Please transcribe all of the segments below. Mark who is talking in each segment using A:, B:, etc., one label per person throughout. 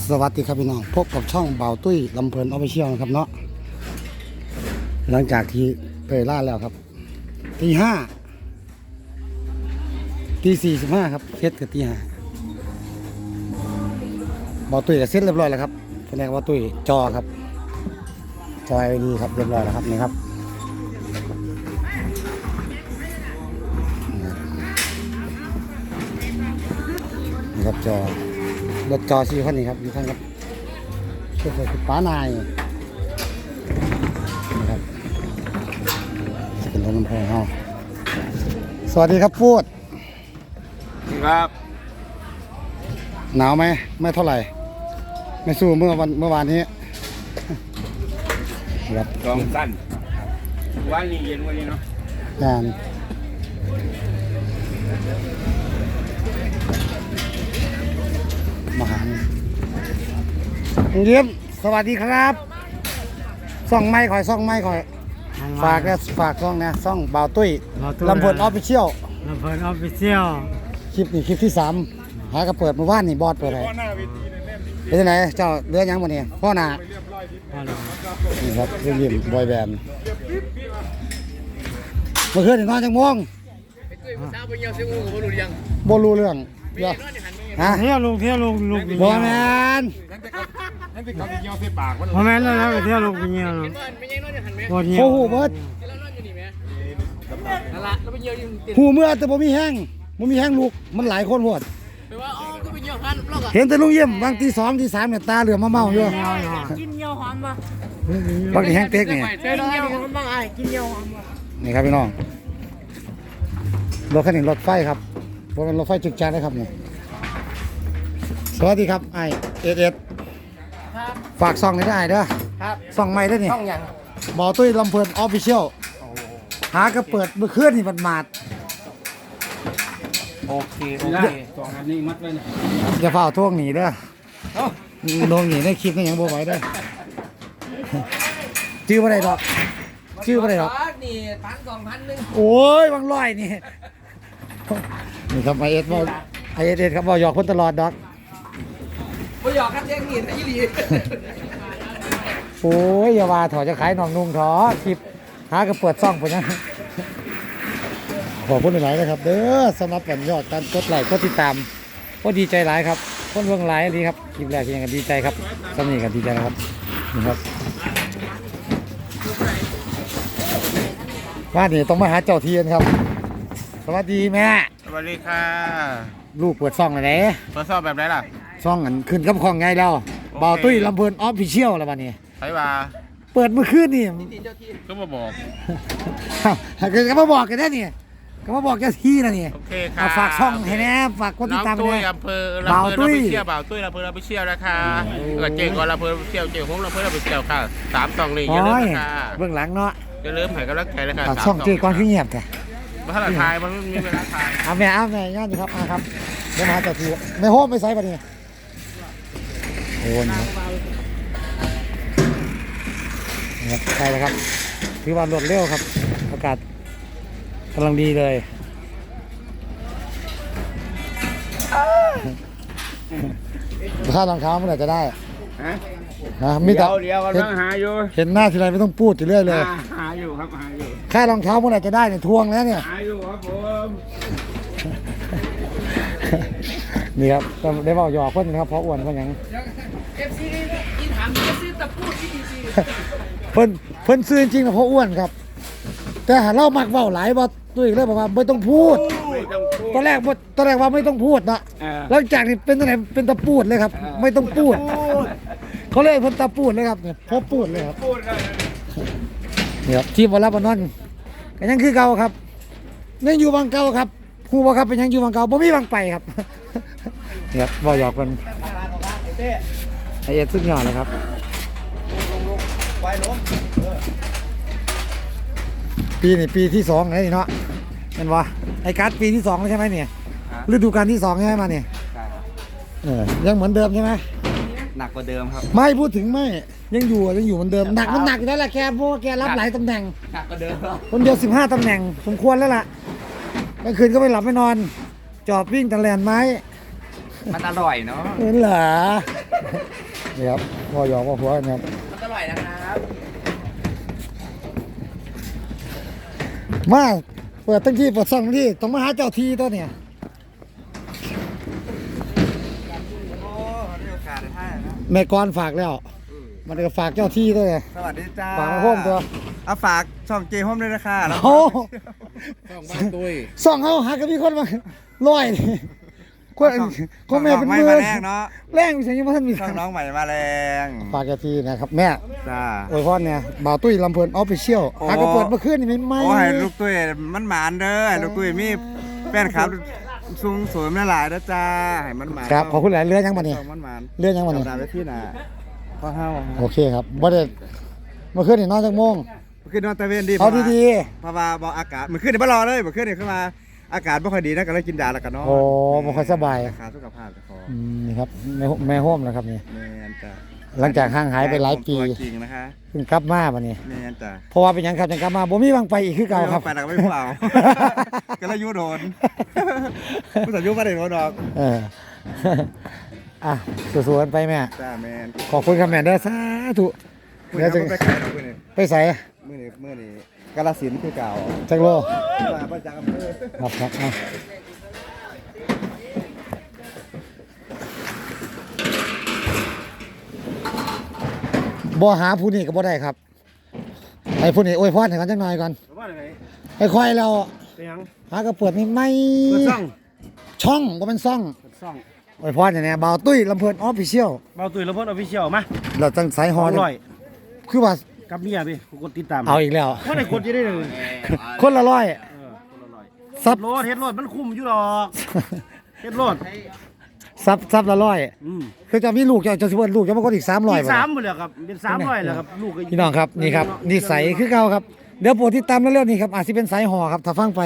A: สวัสดีครับพี่น้องพบกับช่องเบาตุ้ยลำเพลินออฟฟิเชียลนะครับเนาะหลังจากที่เตยล่าแล้วครับตีห้าตี45ครับเซตกับตีห้าเบาตุ้ยกับเซตเรียบร้อยแล้วครับแสดงว่าตุ้ยจอครับจอ LED ครับเรียบร้อยแล้วครับนี่ครับนี่ครับจอรถจอ4 คันนี้ครับอยู่ข้างครับช่วยคือป้านายนะครับจะเป็นรถน้ำพองเฮาสวัสดีครับพูด
B: ครับ
A: หนาวไหมไม่เท่าไหร่ไม่สู้เมื่อวานนี้ครับ
B: กองสั้นวันนี้เย็นวันนี้เนาะ
A: งานมหาเยี่ยมสวัสดีครับซ่องไม้คอยฝากนะฝากซ่องนะซ่องบ่าวตุ้ยลำเพลินออฟฟิเชียล
C: ลำเพลินออฟฟิเชียล
A: คลิปนี้คลิปที่3หากระเปิดเมื่อวานนี่บอสเปิดอะไรเป็นยังไงเจ้าเรือยังวันนี้พ่อหนานี่ครับเรื่องยิ้มบอยแบนด์เมื่อคืนนอนจังม่วงบ่รู้เรื่องเดี๋ยวฮะ
C: เที่ยวลง
A: บ่แมน
C: พอแม่นแล้วก็เที่ยวลงไปเงี้ย
A: โอ้โหเบิดหูเมื่อแต่บ่มีแห้งลูกมันหลายคนโหดเห็นแต่ลุงเยี่ยมบางตี2ตี3เนี่ยตาเหลือมมาเมาอยู่
C: กินเยี่ยวหอมป่ะ
A: บางทีแห้งเต็กนี่
C: กินเยี่ยวหอมบ้างไอ้กินเยี่ยวหอมป่ะ
A: นี่ครับพี่น้องรถคันนี้รถไฟครับเพราะมันรถไฟจึกจักนะครับนี่สวัสดีครับไอเอสฝากซ่องนี้ได้เด้อซ่องใหม่ได้นี่
B: ช่องยัง
A: บ่าวตุ้ยลำเพลินออฟฟิเชียลหากระเปิดเมื่อคืนนี่มันมาด
B: โอเคสองอันนี้มัดไว้เนี่ย
A: อย่าเฝ้าท่วงหนีเด้อโดนหนีในคลิปนี่ยังบ่ไหวเด้อชื่ออะไรดอก
B: นี่1,000 2,000นึง
A: โอ้ยบางร้อยนี่นี่ครับไอเอสครับบ่หยอกคนตลอดดอก
B: บ่หยอกครับแย่งหินอีหลี
A: โอ้ยอย่าว่าถอจะขายหนองนุ่งถอคลิปหากระเปิดซ่องไปนะขอบคุณหลายๆนะครับเด้อสำหรับผลยอดการกดไลค์กดติดตามก็ดีใจหลายครับคนเบิ่งหลายดีครับคลิปแรกยังกันดีใจครับสำนีกันดีใจนะครับนี่ครับว่านี่ต้องมาหาเจ้าเทียนครับสวัสดีแม่
B: สวัสดีค่ะ
A: ลูกเปิดซ่องอะไร
B: เปิดซ่องแบบไหนล่ะ
A: ซ่องอันขึ้นกับของไงแล้วบ่าวตุ้ยลำเพลินออฟฟิเชียลแล้ววันนี้
B: ไปว่า
A: เปิดเมื่อคืนนี่
B: ก็มาบอก
A: ก็มาบอกกันแน่นี่ก็มาบอกเจ้าที่นะนี่
B: โอเคค่ะ
A: ฝากช่องให้แน่ฝากกดติดตาม
B: ด้วยอำเภอบ่าวตุ้ยลำเพลินออฟฟิเชียลนะคะก็เจ๋งกว่าลำเพลินออฟฟิเชียลเจ๋งของลำเพลินออฟฟิเชียลค่ะ3 2 1อย่าลืมนะคะ
A: เบื้องหลังเนาะ
B: อย่าลืมให้กำลังใจนะคะ
A: ช่องเจ๋งก่อนขึ้นเงียบแต่
B: มาถ่ายทายมันมีเวลาถ่าย
A: เอาแม่ย่านดีครับครับเดี๋ยวมาเจ้าที่ไม่โฮมไม่ใส่ปะนี่โอ้ยครับใช่แล้วครับถือว่ารวดเร็วครับอากาศกำลังดีเลยถ้ารองเท้าเมื่อไหร่จะได้นะมีแต่
B: เดี๋ยวกำลังหาอยู่
A: เห็นหน้าทีไรไม่ต้องพูดอยู่เรื่อยเลย
B: หาอยู่ครับหาอยู่
A: ค่ารองเท้าเมื่อไหร่จะได้เนี่ยทวงแล้วเนี่ย
B: หาอยู่ครับผม
A: นี่ครับได้บอกหยอกเพื่อนนะครับเพราะอ้วนเพื่อนยังเพิ่นซื้อจริงๆนะเพราะอ้วนครับแต่หาเล่ามักเว้าหลายบ่ตัวอีกเลยบอกว่าไม่ต้องพูดตอนแรกว่าไม่ต้องพูดนะหลังจากนี้เป็นตรงไหนเป็นตะปูดเลยครับไม่ต้องพูดเขาเลยเพิ่นตะปูดเลยครับเนี่ยพอพูดเลยครับเนี่ยครับทีมวอลเลย์บอลนั่นก็ยังคือเก่าครับยังอยู่บางเก่าครับครูบอกครับเป็นยังอยู่บางเก่าบ่มีบางไปครับเนี่ยบ่หยอกกันไอเอ็ดสุดยอดเลยครับปีนี่ปีที่2เลยเนาะเห็นวะไอ้การ์ดปีที่2แล้วใช่ไหมเนี่ยฤดูกาลที่2ใช่ไหมมาเนี่ยยังเหมือนเดิมใช่ไหม
B: หนักกว่าเดิมครับ
A: ไม่พูดถึงไม่ยังอยู่เหมือนเดิมหนักมันหนักอยู่แล้วแหละแกเพราะว่าแกรับหลายตำแหน่ง
B: หนักกว่าเดิม
A: คนเดียว15 ตำแหน่งสมควรแล้วล่ะกลางคืนก็ไม่หลับไม่นอนจอบวิ่งตะแลนไม้
D: มันอร่อยเนาะ
A: เห็นเหรอนี่ครับพอหยอกว่าหัวกันครับ
D: มันอร่อยนะครับ
A: มาเปิดตั้งที่เปิดซ่องที่ต้องมาหาเจ้าทีตัวเนี่ย
D: โอ้มีโอกาสได้ท่านะ
A: แม่กรฝากแล้ว มันก็ฝากเจ้าที่ตัวเนี่ย
D: สวัสดีจ้า
A: ฝากมาโฮมตัว
D: เอาฝากช่องเจโฮมด้วยนะคะแล้ว
A: โอ้
B: ต้องบ้านตุ้ย
A: ซ่องเขาหากันมีคนมาลอยนี่คนแม่เป็น
D: ไม่
A: มือ
D: มาแรงเนาะ
A: แรงอยู่เฉยๆว่าท่านมี
D: ช่องน้องใหม่มาแรง
A: ฝากเจ้าที่นะครับแม่
D: จ้า
A: โอ้ยพ่อเนี่ยบ่าวตุ้ยลำเพลินออฟฟิเชียล
D: โอ้
A: หากระเปิดเมื่อคืนนี่ไม่ไหม
D: โอ้ให้ลูกตุ้ยมันหมานเด้อให้ลูกตุ้ยมีแฟนคลับสูงสวยหลายๆนะจ้าให้มันหมาน
A: ครับขอบคุณหลายเรื่องยังมาเนี่ย
D: ช่องมันหมาน
A: เรื่องยังมาเนี่ย
D: ดาวไปที่น่ะพ่อเฮา
A: โอเคครับบ่ได้เมื่อคืนนี่นอนจักโมง
D: ขึ้นนอนตะเวนดี
A: เอาดี
D: เพราะว่าบอกอากาศมันขึ้นในบ้านรอเลยมันขึ้นในขึ้นมาอากาศไม่ค่อยดีนะก็เลยกินยาแล้วกันเนาะ
A: ๆโอ้บ่ค่อยสบาย
D: ขาสุขภาพจะคอ
A: นี่ครับแม่โฮมนะครับนี่
D: แมนจ้ะ
A: หลังจากห่างหายไปหลายปี
D: ตัวจริงนะคะ
A: เพิ่งกลับมาบัดนี้
D: แมนจ้ะ
A: เพราะว่าเป็นหยังครับจังกลับมาบ่มีวางไปอีกคือเก่าครับ
D: ไปแล้วก็ไม่พูดเอา ก็เลยยูโดนผู้สัญญูมาได้โดนดอก
A: เอออ่ะสู้ๆกันไปแม่
D: จ้าแมน
A: ขอบคุณครับแม่เด้อสาธุ
D: มือ
A: เดี๋ยวจะ
D: นี้ไปขายดอกมือนี้
A: ไปใส่
D: มือนี้กาลสินธุ์คือเก่า
A: จักโล
D: มาประจำอำเภอ
A: ครับครับเอาบ่หาผู้นี้ก็บ่ได้ครับไอ้ผู้นี้อวยพรให้กันจักหน่อยก่อน
C: ว่าไง
A: ไอ้ค่อยเรา
C: เป็นยัง
A: หาก็เปิดไม่
C: เปิดซ่อง
A: ช่องบ่เป็นซ่อง
C: เปิดซ่อง
A: อวยพรอย่างเนี้ยบ่าวตุ้ยลำเพิ่นออฟฟิเชียล
C: เบาตุ้ยแล้วเพิ่นออฟฟิเชียลมา
A: เราจังสายฮอ
C: อร่อย
A: คือว่า
C: กับเมียพี่กดติดตาม
A: เอาอีกแล้ว
C: ว่าได้กดจะได้เลย
A: คนละร้อย
C: คนละร้อย
A: ซับ
C: เฮ็ดโลดมันคุ้มอยู่หรอกเฮ็ดโลด
A: ซับละร้อย
C: อืม
A: คือจะมีลูกจะสิเบิ่นลูกจะมาคนอีก300
C: อีก
A: บ่
C: สามหมดแล้วครับเป็น300แล้วครับลูกก็
A: พี่น้องครับนี่ครับนิสัยคือเก่าครับเดี๋ยวโปรดติดตามเร็วๆนี่ครับอาจสิเป็นสายฮอครับถ้าฟังไป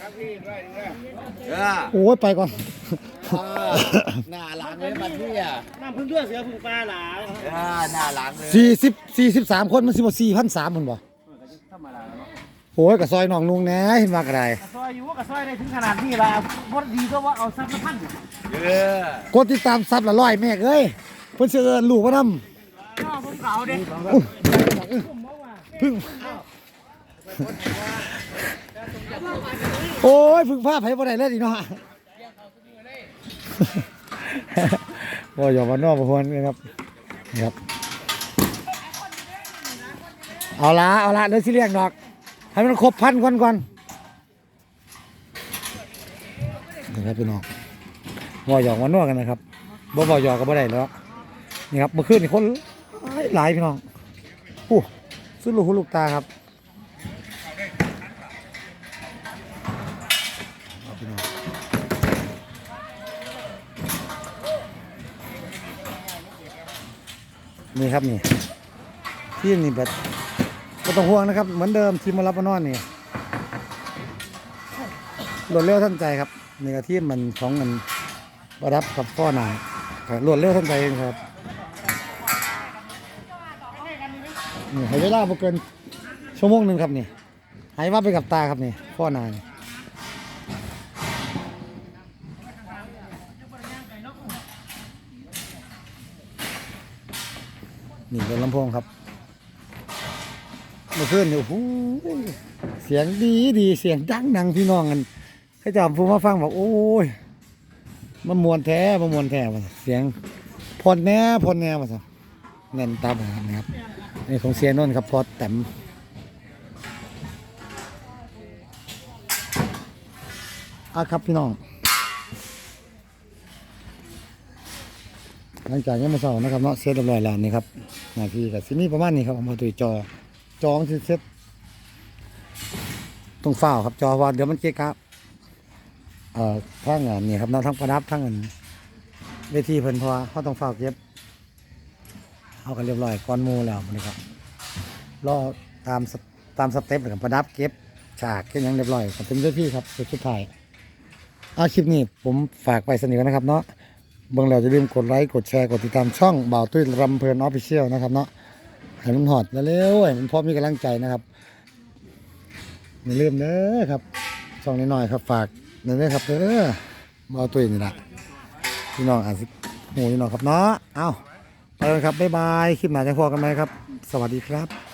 A: โอ้ยไปก่อน
D: หน้าหลังเลยมันพี่อ่ะ
C: น้ำพึ่งเลือดเสือพึ่งปลาหลา
D: หน้าหลังเลย
A: 43คนมันสิบ่4,300มันบ่
C: ธรรมดาเนาะ
A: โอ้ยก็ซอยน้องลุงแหน่เห็นว่าก็ได้
C: ซอยอยู่ก็ซอยได้ถึงขนาดนี้ล่ะบ่ดีก็ว่าเอาซับละพัน
A: กดติดตามซับละร้อยแม่เอ้ยเพิ่นสิเอิ้นลูกมานำ
C: ผมเก่าเด้
A: พึ่งโอ้ยพึ่งภาพให้บ่ได้เลยอีเนาะบ่อย่ามานอกบ่ควรนะครับนี่ครับเอาละเดี๋ยวสิเรียกดอกให้มันครบ1,000ก่อนนี่ครับพี่น้องบ่หยอกมานอกกันนะครับบ่หยอกก็บ่ได้แล้วนี่ครับเมื่อคืนนี่คนหลายพี่น้องโอ้สุดลูกหูลูกตาครับนี่ครับนี่ทีมนี่แบบไม่ต้องห่วงนะครับเหมือนเดิมทีมมารับมานอนนี่รวดเร็วทันใจครับนี่ก็ทีมมันของมันประดับกับพ่อหนารวดเร็วทันใจเองครับนี่ให้เวลาบ่เกินชั่วโมงหนึ่งครับนี่ให้ว่าไปกับตาครับนี่พ่อหนานี่เป็นลำโพงครับเมื่อคืนนี่โอ้โหเสียงดีเสียงดังพี่น้องกันให้จำผู้มาฟังบอกโอ้ยมันมวนแท้ว่ะเสียงพอนแน่ว่ะสิแน่นตาแบบนี้ครับนี่ของเสียนนท์ครับพอแต้มครับพี่น้องหลังจากนี้มาเสาร์นะครับเนาะเซตเรียบร้อยแล้วนี่ครับหน้าที่กับที่นี่ประมาณนี้ครับเอามาตุยจอมันสิเซตตรงฝ้าครับจอว่าเดี๋ยวมันเก๊กครับทั้งนี่ครับเนาะทั้งประดับทั้งเวทีเพิ่นพอเขาต้องฝ้าเก็บเอากันเรียบร้อยก้อนมูแล้วนะครับรอตามสเต็ปกับประดับเก็บฉากแค่ยังเรียบร้อยก็เป็นเจ้าที่ครับสุดท้ายคลิปนี้ผมฝากไปเสนอนะครับเนาะเบิ่งแล้วจะลืมกดไลค์กดแชร์กดติดตามช่องบ่าวตุ้ยรำเพลินออฟฟิเชียลนะครับเนาะให้มันหอดเร็วๆให้มันพอมีกำลังใจนะครับอย่าลืมเด้อครับช่องน้อยๆครับฝากเด้อครับเด้อบ่าวตุ้ยนี่แหละพี่น้องอาจจะหูพี่น้องครับเนาะเอ้าไปเลยครับบ๊ายบายคลิปหน้าจะพอกันไหมครับ สวัสดีครับ